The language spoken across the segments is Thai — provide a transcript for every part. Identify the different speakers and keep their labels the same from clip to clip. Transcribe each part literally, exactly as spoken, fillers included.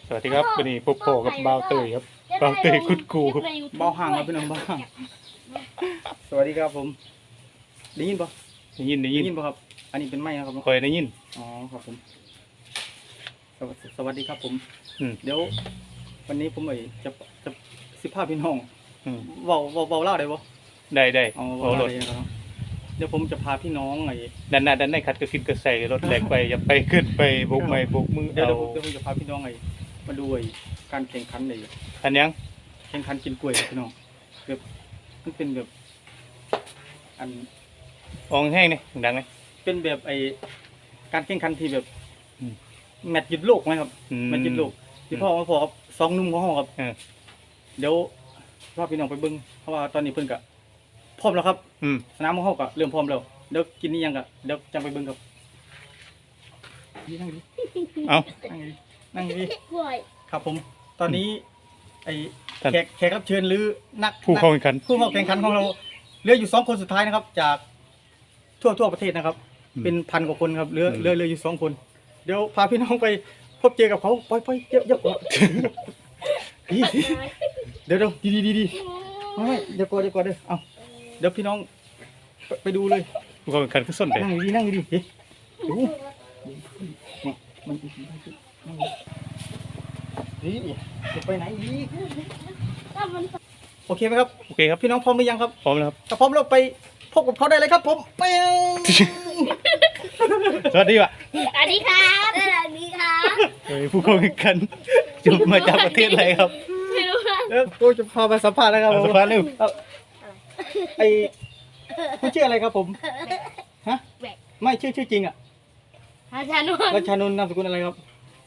Speaker 1: สวัสดีครับวันนี้พบโผกับบ่าวเตยครับบ่าวเตยคุดกูครับ
Speaker 2: เบาห่างครับพี่น้องเบาห่างสวัสดีครับผมได้ยินปะ
Speaker 1: ได้ยินได้
Speaker 2: ได้
Speaker 1: ยิน
Speaker 2: ยินปะครับ อันนี้เป็นไม้นะครับ
Speaker 1: คอยได้ยิน
Speaker 2: อ๋อครับผมสวัสสวัสดีครับผม
Speaker 1: อืม
Speaker 2: เดี๋ยว วันนี้ผมเอ๋ยจะจะสิบห้าพี่น้อง
Speaker 1: อืม
Speaker 2: เบาเบาเบาเล่าได้ปะ
Speaker 1: ได้ได้
Speaker 2: อ๋อ
Speaker 1: โอ้
Speaker 2: เบาร เล่า
Speaker 1: ถ
Speaker 2: ได้นะครับเดี๋ยวผมจะพาพี่น้องไอ้
Speaker 1: ด้านหน้าด้านในขัดกระฟินกระใส่รถแหลกไปอย่าไปขึ้นไปโบกไม้โบกมือ
Speaker 2: เดี๋ยว
Speaker 1: เอา
Speaker 2: เดี๋ยวผมเดี๋ยวผมจะพาพี่น้องไอ้มาดูไอ้การแข่งขันไอ้
Speaker 1: อันยัง
Speaker 2: แข่งขันกินกล้วยครับพี่น้องแบบมันเป็นแบบ อัน
Speaker 1: อองแห้งนี่ดังไหม
Speaker 2: เป็นแบบไอการแข่งขันที่แบบ
Speaker 1: อืม
Speaker 2: แมตช์หยุดโลกไหมครับ
Speaker 1: อืม
Speaker 2: แมตช์หยุดโลกที่พ่อมาพอครับสองหนุ่มของห้องครับ
Speaker 1: เออ
Speaker 2: เดี๋ยวพ่อพี่น้องไปเบิ้งเพราะว่าตอนนี้เพิ่นกะพร้อมแล้วครับ
Speaker 1: อืม
Speaker 2: สนามของห้องกะเริ่มพร้อมแล้วเดี๋ยวกินนี่ยังกะเดี๋ยวจังไปเบิ้งครับนี่นั่งดิ
Speaker 1: เอา
Speaker 2: นั่งดินั่งดิ
Speaker 3: กล้วย
Speaker 2: ครับผม ตอนนี้ไอ
Speaker 1: ท่าน
Speaker 2: แขกแขกรับเชิญหรือนัก
Speaker 1: ผู้เข้าแข่งขัน
Speaker 2: ผู้เข้าแข่งขันของเราเหลืออยู่สองคนสุดท้ายนะครับ จากทั่วทั่วประเทศนะครับ
Speaker 1: อืม
Speaker 2: เป็นพันกว่าคนครับเหลือ
Speaker 1: อืม
Speaker 2: เหลือเหลืออยู่สองคน เดี๋ยวพาพี่น้องไปพบเจอกับเขาไปไปเยอะเยอะดีเดี๋ยวเดี๋ยวดีดีดีดีไม่ไม่เดี๋ยวก่อนเดี๋ยวก่อนเด้อเอาเดี๋ยวพี่น้องไปไปดูเลย
Speaker 1: ผู้เข้าแข่งขันคือส้นเด็
Speaker 2: นั่งดีนั่งดีเฮ้ยดูนี่มันนี่จะไปไหนอีก
Speaker 3: ถ้ามัน
Speaker 2: โอเคไหมครับ
Speaker 1: โอเคครับ
Speaker 2: พี่น้องพร้อมหรือยังครับ
Speaker 1: พร้อมแล้วครับ
Speaker 2: ถ้าพร้อมเราไปพบกับเขาได้เลยครับผมไป
Speaker 1: สวัสดีว่ะ
Speaker 3: สวัสดีครับสวัสดีครับ
Speaker 1: เฮ้ยผู้เข้าแข่งขันจบมาจากประเทศอะไรครับ
Speaker 3: ไม่รู้ว่า
Speaker 2: แล้วกูจะพาไปสัมภาษณ์นะครับ
Speaker 1: เอา
Speaker 2: ผม
Speaker 1: สัมภาษณ์เร็ว
Speaker 2: ครับไอคุณชื่ออะไรครับผมฮะ
Speaker 3: แบก
Speaker 2: ไม่ชื่อชื่อจริงอ่ะ
Speaker 3: อาจารย์นวล
Speaker 2: รัชชานนท์นามสกุลอะไรครับ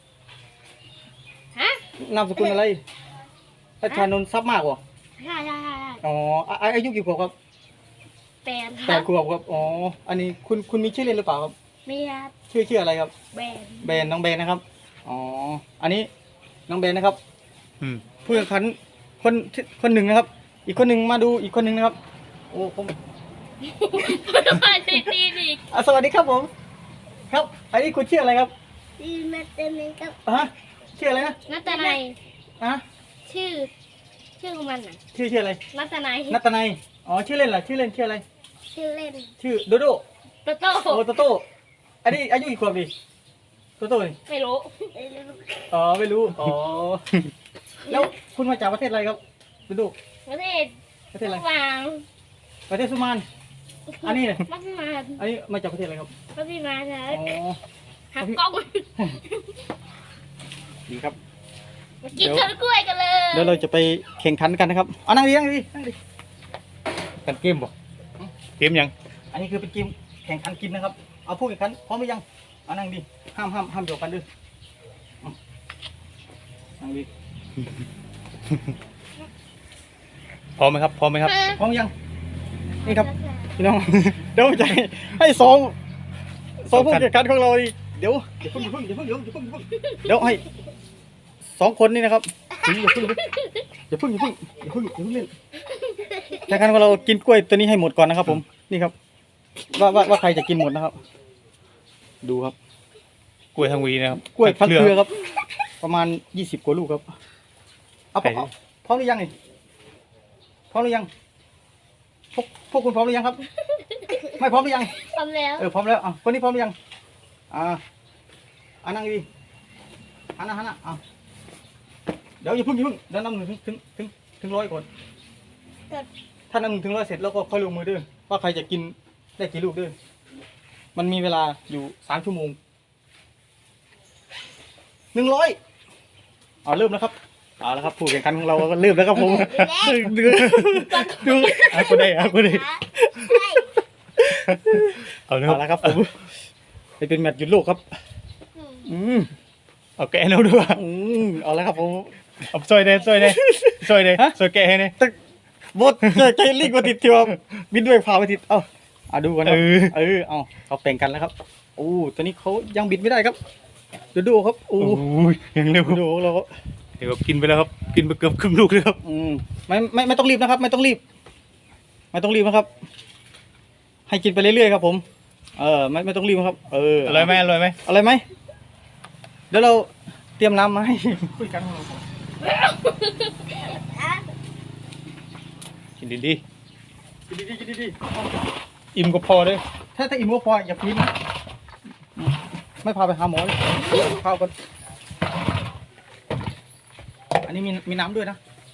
Speaker 3: ฮะ
Speaker 2: นามสกุลอะไรรัชชานนท์ทรัพย์มากวะ
Speaker 3: ใช่ใช่ใช่ใช่
Speaker 2: อ๋ออ่ะอายุกี่ขวบครับ
Speaker 3: แปดค
Speaker 2: แป
Speaker 3: รั
Speaker 2: ด
Speaker 3: บ
Speaker 2: ขวบครับอ๋ออันนี้คุณคุณมีชื่อเล่นหรือเปล่าครับ
Speaker 3: มีครับ
Speaker 2: ชื่อชื่ออะไรครับ
Speaker 3: แบน
Speaker 2: เบนน้องเบนนะครับอ๋ออันนี้น้องเบนนะครับ
Speaker 1: อืม
Speaker 2: ผู้แข่งขันคนที่คนหนึ่งนะครับ อีกคนหนึ่งมาดูอีกคนหนึ่งนะครับ โอ้ผม
Speaker 3: มาตีตีอีก
Speaker 2: อ่ะสวัสดีครับผม ครับ อันนี้คุณชื่ออะไรครับ
Speaker 3: ดีมาเต็มเลยครับ
Speaker 2: อ่ะฮะชื่ออะไรนะ
Speaker 3: นัตนัย
Speaker 2: อ่ะ
Speaker 3: ชื่อ ชื่อของมันน่ะ
Speaker 2: ชื่อชื่ออะไร
Speaker 3: นัตนัย
Speaker 2: นัตนัยอ๋อชื่อเล่นเหรอชื่อเล่นชื่ออะไร
Speaker 3: ชื่อเล่น
Speaker 2: ชื่อโดโด
Speaker 3: โตโต้
Speaker 2: โอโตโต้อันนี้อายุกี่ขวบดิโตโต้นี่
Speaker 3: ไม่รู้
Speaker 2: อ๋อไม่รู้อ๋อแล้วคุณมาจากประเทศอะไรครับโดโด
Speaker 3: ประเทศ
Speaker 2: ประเทศอะไร
Speaker 3: วาง
Speaker 2: ประเทศสุมานอันนี้เนี่ย
Speaker 3: มัดมา
Speaker 2: อันนี้มาจากประเทศอะไรครับ
Speaker 3: มัดมาใช่
Speaker 2: อ๋อ
Speaker 3: หักกล้อง
Speaker 2: ดีครับ
Speaker 3: มากินต้นกล้วยกันเลย
Speaker 2: เดี๋ยวเราจะไปแข่งขันกันนะครับเอานั่งดีนั่งดีนั่งดี
Speaker 1: กันเกมบ่เกมยัง
Speaker 2: อันนี้คือเป็นเกมแข่งขันกินนะครับ เอาผู้แข่งขันพร้อมหรือยังเอานั่งดีห้ามห้ามห้ามโยกกันด้วยเอานั่งดี
Speaker 1: พร้อมไหมครับพร้อมไหมครับ
Speaker 2: พร้อมยังนี่ครับพี่น้อง เดี๋ยวจะให้สองสองผู้แข่งขันของเราดิเดี๋ยวอย่าเพิ่งอย่าเพิ่งอย่าเพิ่งอย่าเพิ่งอย่าเพิ่งเดี๋ยวให้สองคนนี่นะครับอย่าเพิ่งอย่าเพิ่งอย่าเพิ่งอย่าเพิ่งอย่าเพิ่งเล่นแข่งขันของเรากินกล้วยตัวนี้ให้หมดก่อนนะครับ ผมนี่ครับ ว่าว่าว่าใครจะกินหมดนะครับ ดูครับ
Speaker 1: กล้วยทางวีนะครับ
Speaker 2: กล้วยพันเครือครับ ประมาณยี่สิบกว่าลูกครับเอาพร้อมพร้อมหรือยังนี่พร้อมหรือยังพวกพวกคุณพร้อมหรือยังครับ ไม่พร้อมหรือยัง
Speaker 3: ทำแล้ว
Speaker 2: เออพร้อมแล้วอ่ะคนนี้พร้อมหรือยังอ่าอ่านั่งดีหันหน้าหันหน้าอ่ะเดี๋ยวอย่าเพิ่งอย่าเพิ่งเดี๋ยวนับหนึ่งถึงถึงถึงถึงร้อยก่อนถ้านับหนึ่งถึงร้อยเสร็จแล้วก็ค่อยลงมือเด้อว่าใครจะกินได้กี่ลูกเด้อมันมีเวลาอยู่สามชั่วโมงหนึ่งร้อยเอาเริ่มแล้วครับเอาแล้วครับผู้แข่งขันของเราก็เริ่มแล้วครับผมดูดู
Speaker 1: อ่ะกูได้อ่ะกูได้เอาเลยค
Speaker 2: เอา
Speaker 1: รับ
Speaker 2: ละครับผมไปเป็นแมตช์หยุดโลกครับ อืม
Speaker 1: เอาแกะให้เราด้วย
Speaker 2: อืมเอาละครับผม
Speaker 1: เอาซอยเด้ซอยเด้ซอยเด้
Speaker 2: ฮะ
Speaker 1: ซอยแกะให้เด้
Speaker 2: ตึกบดเจอใจลิงมาติดเทียวบินด้วยพาไปติดเอ้าอ่ะดูกันครับ
Speaker 1: เออ
Speaker 2: เออเอาเขาแบ่งกันแล้วครับโอ้ตัวนี้เขายังบิดไม่ได้ครับเดี๋ยวดูครับโอ้
Speaker 1: โอ้ยยังเร็ว
Speaker 2: ดูของเราครับ
Speaker 1: เดี๋ยวกินไปแล้วครับกินไปเกือบครึ่งลูกเลยครับ
Speaker 2: อืมไม่ไม่ไม่ต้องรีบนะครับ ไม่ต้องรีบ ไม่ต้องรีบนะครับ ให้กินไปเรื่อยๆครับ ผม เออไม่ไม่ต้องรีบนะครับ เออ
Speaker 1: อร่อยไหมอร่อยไหม
Speaker 2: อะไรไหมเดี๋ยวเราเตรียมน้ำมาให้ผู้จัดการของเราก่อน
Speaker 1: กินดี
Speaker 2: กินดีๆกินดี
Speaker 1: ๆอิ่มก็พอเลย
Speaker 2: ๆถ้าถ้าอิ่มก็พออย่าพีนนะไม่พาไปหาหมอเลยข้าวก่อนอันนี้มีมีน้ำด้วยนะ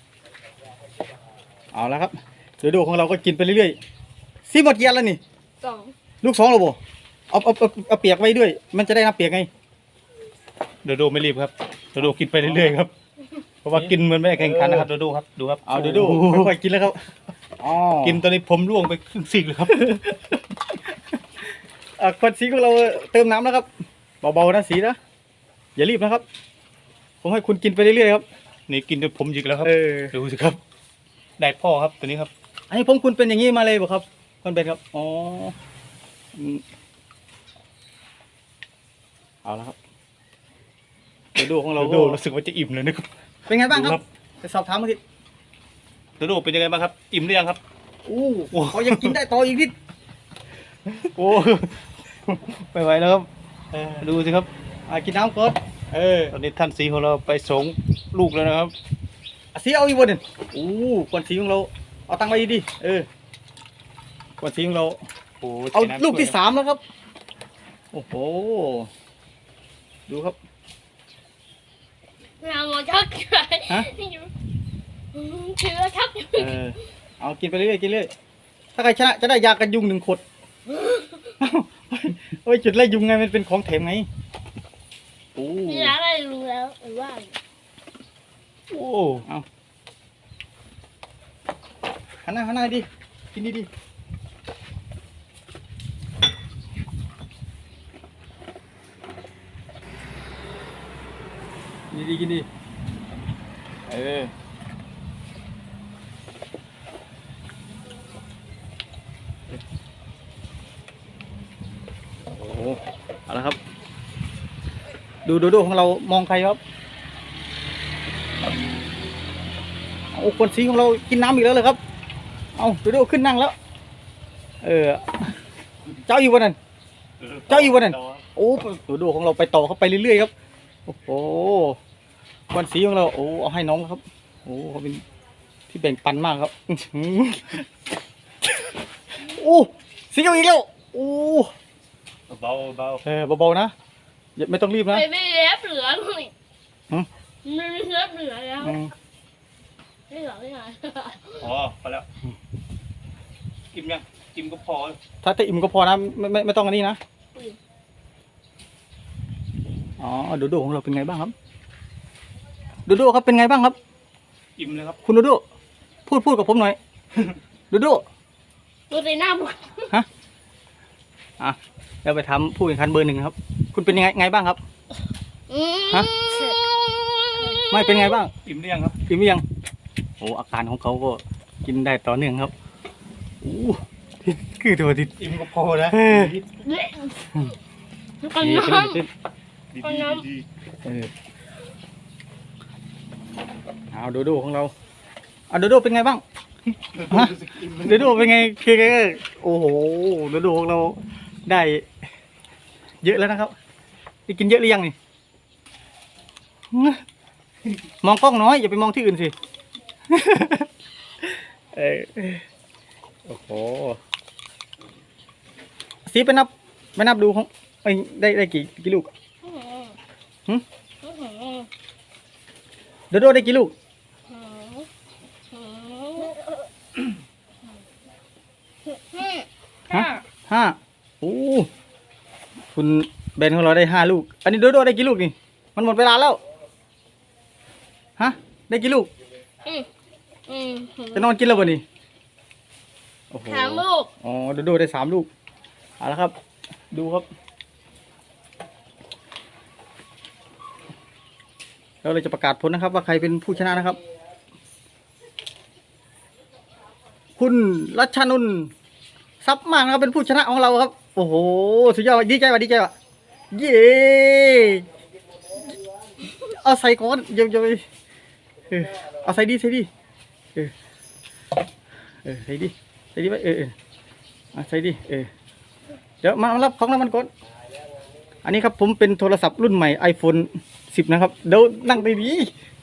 Speaker 2: เอาแล้วครับเดี๋ยวดูของเราก็กินไปเรื่อยๆซีหมดเกียร์แล้วนี่
Speaker 3: สอง
Speaker 2: ลูกสองเราบ่เอาเอาเอาเอาเปียกไว้ด้วย มันจะได้น้ำเปียกไง
Speaker 1: โดโดไม่รีบครับโดโดกินไปเรื่อยๆครับเพราะว่ากินมันไม่ได้แข่งขันนะครับโดโดครับดูครับ
Speaker 2: เอาเดี๋ยวดูค่อยๆกินแล้วครับอ๋อ
Speaker 1: กินตอนนี้ผมร่วงไปครึ่งซีกเลยครับ
Speaker 2: อ่ะคนสีของเราเติมน้ำแล้วครับเบาๆนะสีนะอย่ารีบนะครับ ผมให้คุณกินไปเรื่อยๆครับ
Speaker 1: นี่กินจนผมหยิกแล้วครับ
Speaker 2: เออ
Speaker 1: ดูสิครับได้พ่อครับตัวนี้ครับ
Speaker 2: อันนี้ผมคุณเป็นอย่างนี้มาเลยบ่ครับคนเป็นครับอ๋ออืมเอาแล้วครับเดี๋ยวดูของเรา
Speaker 1: โด
Speaker 2: ก็
Speaker 1: โดรู้สึกว่าจะอิ่มเลยนะครับ
Speaker 2: เป็นไงบ้างค
Speaker 1: ดูครั
Speaker 2: รับบ ไปสอบถามมาที
Speaker 1: โดโดเป็นยังไงบ้างครับอิ่มหรือยังครับ
Speaker 2: อู้เขายังกินได้ต่ออีกนิด
Speaker 1: โอ้ไม่ไหวแล้วครับ
Speaker 2: เออ
Speaker 1: ดูสิครับ
Speaker 2: อ่ะกินน้ำก่อนเออ
Speaker 1: ตอนนี้ท่านสีของเราไปสองลูกแล้วนะครับ
Speaker 2: อ่ะสีเอาอีกวันหนึ่งอู้คนสีของเราเอาตังค์ไว้ดีๆเออคนสีของเรา
Speaker 1: โอ้
Speaker 2: เอา
Speaker 1: ใช้น้ำ
Speaker 2: ลูกที่
Speaker 1: ช่วย
Speaker 2: สามแล้วครับ โอ้โห ดูครับ
Speaker 3: เราหมอชักเลย
Speaker 2: ฮะ
Speaker 3: เชื้อชัก
Speaker 2: เออ เอากินไปเรื่อยๆกินเรื่อยถ้าใครชนะจะได้ยากันยุงหนึ่งขวดโอ้ยจุดไล่ยุงไงมันเป็นของแถมไงโอ้
Speaker 3: นี่ร้านอะไรรู้แล้วหรือว่า
Speaker 1: โอ้
Speaker 2: เอาหันหน้าหันหน้าดิกินดีๆกินดีๆกินดีเออ โอ้โหเอาละครับ ดูดูดูของเรามองใครครับโอ้คนสีของเรากินน้ำอีกแล้วเลยครับ เอาดูดูขึ้นนั่งแล้ว เออ เจ้าอยู่วันนั้น เจ้าอยู่วันนั้น โอ้ดูดูของเราไปต่อเขาไปเรื่อยๆครับ โอ้โหคนสีของเรา โอ้เอาให้น้องครับ โอ้เขาเป็นที่แบ่งปันมากครับ อื้อหือโอ้สีเอาอีกแล้ว โอ้
Speaker 1: เบาเบา
Speaker 2: เออเบาๆนะอย่าไม่ต้องรีบนะ
Speaker 3: ไม่ไม่เล็บเหลือเลย
Speaker 2: หืม
Speaker 3: ไม่มีเล็บเหลือแล้ว
Speaker 2: อืม
Speaker 3: ไม่เหลือไม่เหลือ
Speaker 1: พอพอแล้วอิ่มยังอิ่มก็พอ
Speaker 2: ถ้าถ้าอิ่มก็พอนะไม่ไม่ไม่ต้องอันนี้นะอ๋อโดโดของเราเป็นไงบ้างครับโดโดครับเป็นไงบ้างครับ
Speaker 1: อิ่มเลยครับ
Speaker 2: คุณโดโดพูดพูดกับผมหน่อย โดโด
Speaker 3: ตัวในหน้าบุก
Speaker 2: ฮะอ่ะเราไปทำผู้แข่งขันเบอร์หนึ่งครับ คุณเป็นยังไงไงบ้างครับ ฮะ ไม่เป็นไงบ้าง
Speaker 1: อิ่มหรือยังครับ
Speaker 2: กินหรือยังโอ้อาการของเขาก็กินได้ต่อเนื่องครับโอ้คือตัวติด
Speaker 1: อิ่มก็พอนะ
Speaker 2: เออ
Speaker 3: เละกัน
Speaker 2: ดี
Speaker 3: น้
Speaker 2: ขึ้นดีขึ้น
Speaker 1: ดี
Speaker 3: เอา
Speaker 1: ดี
Speaker 3: น้ำ
Speaker 1: ดี
Speaker 2: เออเอาโดโดของเราเอาโดโดเป็นไงบ้าง ฮะ
Speaker 1: รู้สึกอิ่ม
Speaker 2: โดโดเป็นไงคือโอ้โหโดโดของเราได้ เยอะแล้วนะครับได้กินเยอะหรือยังนี่มองกล้องน้อยอย่าไปมองที่อื่นสิ เออโอ้โหสีไปนับไปนับดูของเอ้ยได้ได้กี่กี่ลูก
Speaker 3: ำ
Speaker 2: หึ
Speaker 3: อื้อหือ
Speaker 2: โดโดได้กี่ลูก
Speaker 3: อื้อหือ
Speaker 2: ฮะ ห้าโอ้คุณเบนของเราได้ห้าลูก อันนี้โดโดได้กี่ลูกนี่ มันหมดเวลาแล้ว ฮะ ได้กี่ลูก
Speaker 3: อืมอืมหือ
Speaker 2: จะนอนกินแล้วบ่นี่โอ้โห
Speaker 3: สามลูก
Speaker 2: อ๋อโดโดได้สามลูก เอาละครับ ดูครับ เราเลยจะประกาศผลนะครับ ว่าใครเป็นผู้ชนะนะครับ คุณรัชนุนทรัพย์มากนะครับเป็นผู้ชนะของเราครับ โอ้โหสุดยอดดีใจว่ะดีใจว่ะเย้เอาใส่ก่อนเดี๋ยวจะไปเออเอาใส่ดีใส่ดีเออเออใส่ดีใส่ดีไปเออเออเอาใส่ดีเออเดี๋ยวมามารับของรางวัลก่อนอันนี้ครับผมเป็นโทรศัพท์รุ่นใหม่ iPhone สิบนะครับเดี๋ยวนั่งดีดี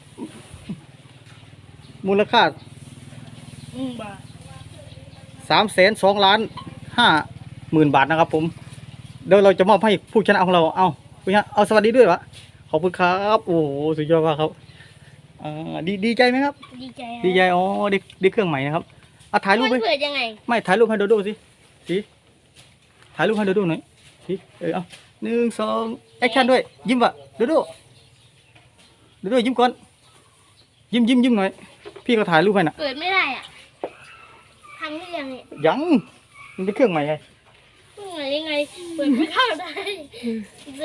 Speaker 2: ๆมูลค่า
Speaker 3: อืมบาท
Speaker 2: สามแสนสองล้านห้าหมื่นบาทนะครับผมเดี๋ยวเราจะมอบให้ผู้ชนะของเราเอาผู้ชนะเอาสวัสดีด้วยวะขอบคุณครับโอ้โหสุดยอดมากครับอ่าดีดีใจไหมครับ
Speaker 3: ดีใจ
Speaker 2: ดีใจอ๋อได้ได้เครื่องใหม่นะครับเอาถ่ายรูป
Speaker 3: มั
Speaker 2: ไป
Speaker 3: นเปิดยังไง
Speaker 2: ไม่ถ่ายรูปให้โดโดสิสิถ่ายรูปให้โดโดหน่อยสิเออเอาหนึ่งสองแอคชั่นด้วยยิ้มวะโดโดโดโดยิ้มก่อนยิ้มยิ้มยิ้มหน่อยพี่ก็ถ่ายรูปให้น่ะ
Speaker 3: เปิดไม่ได้อ่ะทำได้ยังไง
Speaker 2: ยังมันเป็นเครื่องใหม่ไง
Speaker 3: เปิดยังไงเปิดไม่เข้าได้สิ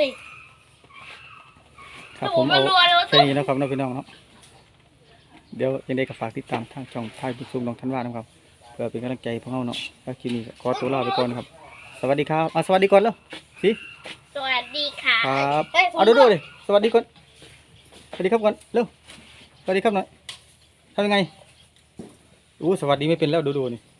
Speaker 2: ครับผม
Speaker 3: โอ้
Speaker 2: เอา
Speaker 3: มันรัวเลย
Speaker 2: แค่นี้นะครับน้องพี่น้องเนาะเดี๋ยวยังได้ก็ฝากติดตามทางช่องพายบุญซุงน้องทันวานะครับเพื่อเป็นกำลังใจพวกเราเนาะแล้วคลิปนี้ก็ขอตัวลาไปก่อนนะครับ สวัสดีครับอ่ะสวัสดีก่อนแล้วสิ
Speaker 3: สวัสดีค่ะ
Speaker 2: ครับ
Speaker 3: ฮ้ยผม
Speaker 2: เอาดูดูเลยสวัสดีก่อนสวัสดีครับก่อนเร็วสวัสดีครับหน่อยทำยังไงอู้สวัสดีไม่เป็นแล้วดูดูนี่